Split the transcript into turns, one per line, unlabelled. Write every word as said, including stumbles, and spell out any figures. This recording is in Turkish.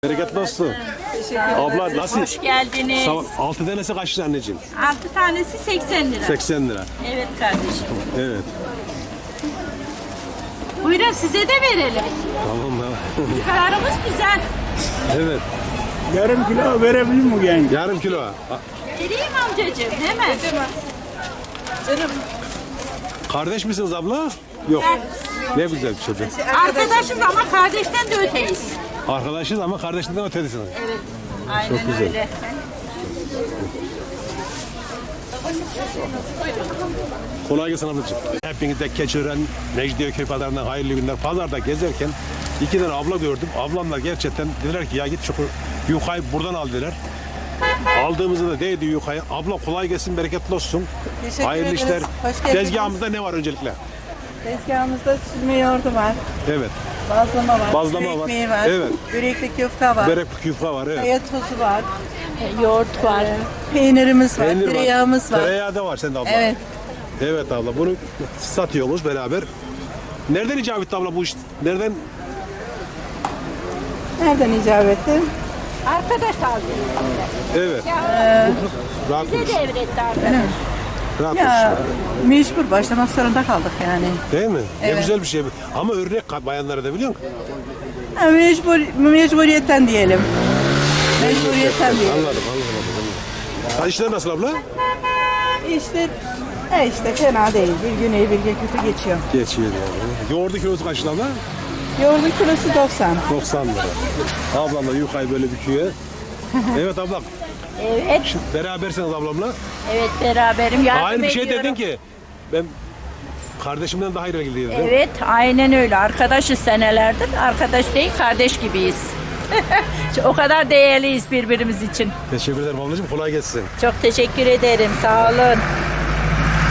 Bereketli olsun. Abla nasıl?
Hoş geldiniz.
Sağ- Altı tanesi kaç lira anneciğim?
Altı tanesi seksen lira.
seksen lira.
Evet kardeşim.
Evet.
Buyurun size de verelim.
Tamam da.
Kararımız güzel.
Evet.
Yarım kilo verebilir mi yani?
Yarım kilo. A-
Vereyim amcacığım hemen. Canım.
Kardeş misiniz abla? Yok. Ne güzel bir şey. be.
Arkadaşız ama kardeşten de öteyiz.
Arkadaşız ama kardeşinden ötedisiniz.
Evet. Aynen
Çok güzel.
öyle.
Kolay gelsin ablacığım. Hepinize Keçiören, Mecidiyeköy pazarından hayırlı günler. Pazarda gezerken iki tane abla gördüm. Ablamlar gerçekten dediler ki ya git şu yukayı buradan al dediler. Aldığımızda da değdi yukayı. Abla kolay gelsin, bereketli olsun.
Teşekkür
Hayırlı
ederiz.
işler.
Hoş geldiniz.
Tezgahımızda ne var öncelikle?
Tezgahımızda süzme yoğurdu var,
Evet.
bazlama var,
Bazlama
börek
var.
ekmeği var,
Evet.
börekli köfte var,
Börek yufka var. Evet.
kaya tozu var,
Yoğurt var.
peynirimiz var,
Peynir
tereyağımız var.
Tereyağı da var sende abla.
Evet.
Evet abla, bunu satıyoruz beraber. Nereden icap etti abla bu iş? Nereden?
Nereden icap etti?
Arkadaş aldı.
Evet. Rahat
Bize
konuş.
devretti arkadaş.
Rahat
Ya
konuş.
mecbur başlamak zorunda kaldık yani.
Değil mi? Ne
Evet.
güzel bir şey. Ama örnek ka- bayanlara da biliyor musun?
Ha, mecbur, mecburiyetten diyelim. Mecburiyetten diyelim.
Anladım, anladım. anladım. Ha, işler nasıl abla?
İşte, e işte fena değil. Bir gün iyi bir gün kötü geçiyor.
Geçiyor yani. Yoğurdu kilosu kaç lira abla?
Yoğurdun kilosu doksan.
doksan lira. Ablam da yukayı böyle büküyor. Evet ablam.
Evet.
Şimdi berabersiniz ablamla.
Evet beraberim. Yardım
Aynı bir şey
ediyorum.
dedin ki. Ben kardeşimden daha iyi ilgiliydim.
Evet aynen öyle. Arkadaşız senelerdir. Arkadaş değil kardeş gibiyiz. O kadar değerliyiz birbirimiz için.
Teşekkür ederim ablacığım. Kolay gelsin.
Çok teşekkür ederim. Sağ olun.